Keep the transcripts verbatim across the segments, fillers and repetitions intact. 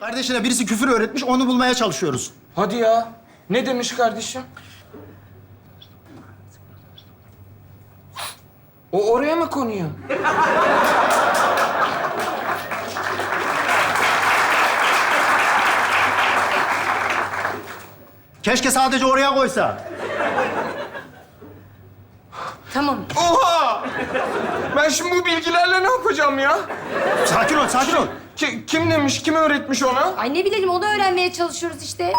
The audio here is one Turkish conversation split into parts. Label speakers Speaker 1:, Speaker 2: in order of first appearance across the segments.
Speaker 1: Kardeşine birisi küfür öğretmiş, onu bulmaya çalışıyoruz.
Speaker 2: Hadi ya. Ne demiş kardeşim? O oraya mı konuyor?
Speaker 1: Keşke sadece oraya koysa.
Speaker 3: Tamam.
Speaker 2: Oha! Ben şimdi bu bilgilerle ne yapacağım ya?
Speaker 1: Sakin ol, sakin ol.
Speaker 2: Ki, kim demiş, kim öğretmiş ona?
Speaker 3: Ay ne bilelim, onu öğrenmeye çalışıyoruz işte.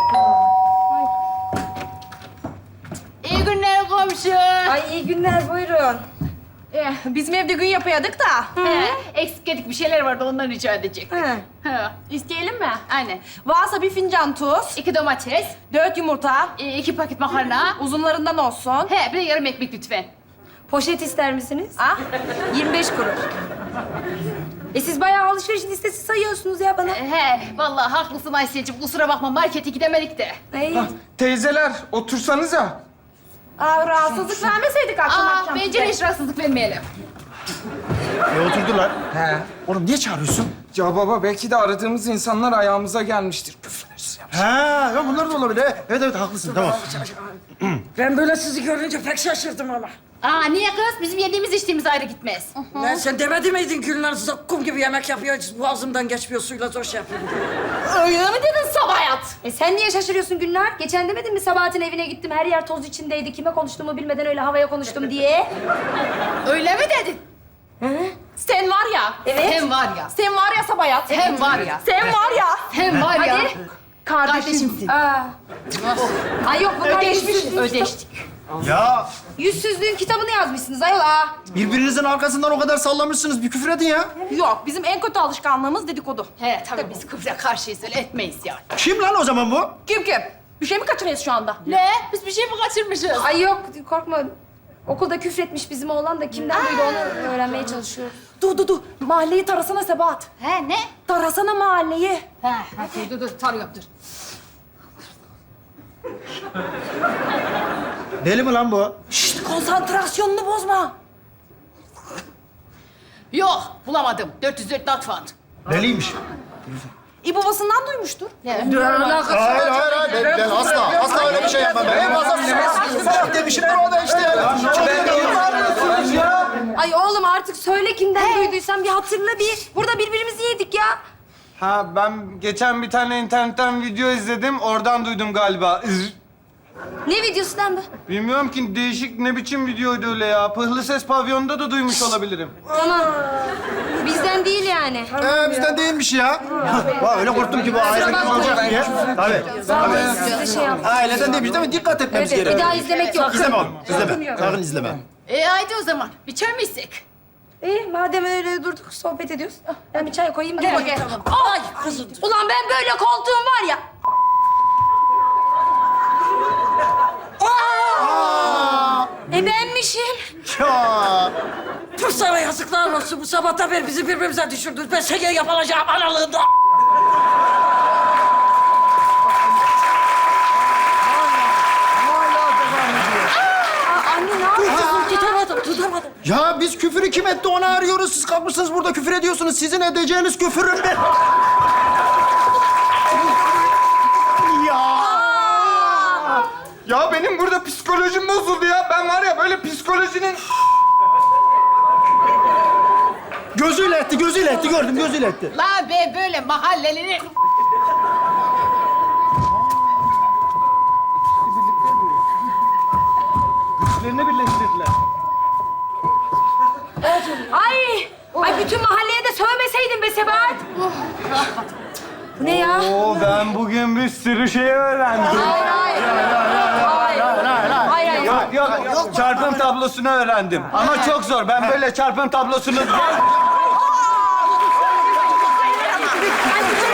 Speaker 4: İyi günler komşu.
Speaker 3: Ay iyi günler, buyurun.
Speaker 4: Eh, bizim evde gün yapıyorduk da. He, eksik edik bir şeyler vardı, ondan rica edecektik.
Speaker 3: He.
Speaker 4: He, isteyelim mi? Aynen.
Speaker 5: Varsa bir fincan tuz,
Speaker 4: İki domates,
Speaker 5: dört yumurta,
Speaker 4: e, iki paket makarna.
Speaker 5: uzunlarından olsun.
Speaker 4: He, bir de yarım ekmek lütfen.
Speaker 3: Poşet ister misiniz?
Speaker 5: Ah,
Speaker 3: yirmi beş kuruş. E siz bayağı alışveriş listesi sayıyorsunuz ya bana.
Speaker 4: He, vallahi haklısın Ayşe'cim. Kusura bakma, markete gidemedik de.
Speaker 3: Ay.
Speaker 2: Teyzeler, otursanıza.
Speaker 5: Aa, rahatsızlık vermeseydik akşam
Speaker 4: Aa,
Speaker 5: akşam.
Speaker 4: bence de hiç rahatsızlık vermeyelim.
Speaker 1: E oturdular.
Speaker 2: He.
Speaker 1: Oğlum niye çağırıyorsun?
Speaker 2: Ya baba, belki de aradığımız insanlar ayağımıza gelmiştir. Küfürler yapmış.
Speaker 1: Ha, ya bunlar da olabilir. Evet, evet, haklısın, tamam.
Speaker 6: Ben böyle sizi görünce pek şaşırdım ama.
Speaker 4: Aa, niye kız? Bizim yediğimiz içtiğimiz ayrı gitmez.
Speaker 6: Lan sen demedi miydin Gülnar kum gibi yemek yapıyor, boğazımdan geçmiyor, suyla zor şey yapıyor.
Speaker 4: Öyle mi dedin Sabahat?
Speaker 3: E sen niye şaşırıyorsun Gülnar? Geçen demedin mi Sabahat'in evine gittim, her yer toz içindeydi. Kime konuştuğumu bilmeden öyle havaya konuştum diye.
Speaker 4: Öyle mi dedin?
Speaker 5: Sen var ya,
Speaker 3: Evet.
Speaker 4: Hem var ya.
Speaker 5: sen var ya Sabayat.
Speaker 4: Hem var ya.
Speaker 5: Sen var ya.
Speaker 4: Hem var ya.
Speaker 3: Hadi.
Speaker 4: Kardeşimsin.
Speaker 3: Aa. Ay yok, bunlar
Speaker 4: Ödeşmiş,
Speaker 3: yüzsüzlüğün
Speaker 4: ödeştik.
Speaker 1: Ya
Speaker 3: Yüzsüzlüğün kitabını yazmışsınız ayol aa.
Speaker 1: birbirinizin arkasından o kadar sallamışsınız. Bir küfür edin ya.
Speaker 5: Yok, bizim en kötü alışkanlığımız dedikodu.
Speaker 4: He, tabii biz küfre karşıyız, öyle etmeyiz yani.
Speaker 1: Kim lan o zaman bu?
Speaker 5: Kim kim? Bir şey mi kaçırıyoruz şu anda?
Speaker 4: Ne? Biz bir şey mi kaçırmışız?
Speaker 3: Ay yok, korkma. Okulda küfretmiş bizim oğlan da kimden duydu onu öğrenmeye çalışıyoruz.
Speaker 5: Dur dur dur, mahalleyi tarasana Sebahat.
Speaker 4: He, ne?
Speaker 5: Tarasana mahalleyi.
Speaker 4: He, he, dur, dur, dur, tarıyorum, dur.
Speaker 1: Deli mi lan bu?
Speaker 5: Şşt, konsantrasyonunu bozma.
Speaker 4: Yok, bulamadım. dört yüz dört not found.
Speaker 1: Deliymiş.
Speaker 5: İyi babasından duymuştur.
Speaker 1: Hayır, hayır, hayır. Ben, ben asla, asla öyle bir şey yapmam. Ben en fazla salak demişim. Ben o da işte. Ya.
Speaker 3: Ay oğlum artık söyle kimden duyduysan bir hatırla bir. Burada birbirimizi yedik ya.
Speaker 2: Ha, ben geçen bir tane internetten video izledim. Oradan duydum galiba. Iz-
Speaker 3: Ne videosu lan bu?
Speaker 2: Bilmiyorum ki, değişik ne biçim videoydu öyle ya. Pıhlı Ses Pavyonu'nda da duymuş olabilirim.
Speaker 3: Tamam. Bizden değil yani.
Speaker 1: Ee, bizden değilmiş ya. Vay, öyle korktum ki bu aileden olacak diye. Tabii.
Speaker 3: Vallahi size şey yaptım.
Speaker 1: Aileden değilmiş değil mi? Dikkat etmemiz
Speaker 3: Evet, bir
Speaker 1: gerekiyor.
Speaker 3: daha izlemek yok.
Speaker 1: İzleme oğlum, izleme. Sakın izleme.
Speaker 4: E haydi o zaman. Bir çay mı içsek?
Speaker 3: İyi madem öyle durduk sohbet ediyoruz. Ben bir çay koyayım.
Speaker 4: Gel,
Speaker 3: Gel.
Speaker 4: gel.
Speaker 3: Ay kızım. Ulan ben böyle koltuğum var ya. Aa! E benmişim.
Speaker 1: Ya.
Speaker 6: Tüh sana yazıklar olsun, bu sabahtan beri bizi birbirimize düşürdünüz. Ben seni yapılacağım analığında.
Speaker 3: Aa, anne ne yapıyorsun?
Speaker 6: Tutamadım, tutamadım.
Speaker 1: Ya biz küfürü kim etti onu arıyoruz. Siz kalkmışsınız burada küfür ediyorsunuz. Sizin edeceğiniz küfürün bir... Ya.
Speaker 2: Ya benim burada psikolojim bozuldu ya. Ben var ya böyle psikolojinin...
Speaker 1: Gözüyle etti, gözüyle etti. Gördüm, gözüyle etti.
Speaker 4: La be böyle mahallelerin...
Speaker 2: Güçlerini birleştirdiler.
Speaker 3: Ay! Ay bütün mahalleye de sövmeseydin be Sebahat. Bu ne ya?
Speaker 2: Oo, ben bugün bir sürü şey öğrendim.
Speaker 3: Hayır, hayır. Hayır, hayır. Hayır,
Speaker 2: Yok, yok, yok. Çarpım tablosunu öğrendim. Ama çok zor. Ben böyle çarpım tablosunu...
Speaker 3: Ay,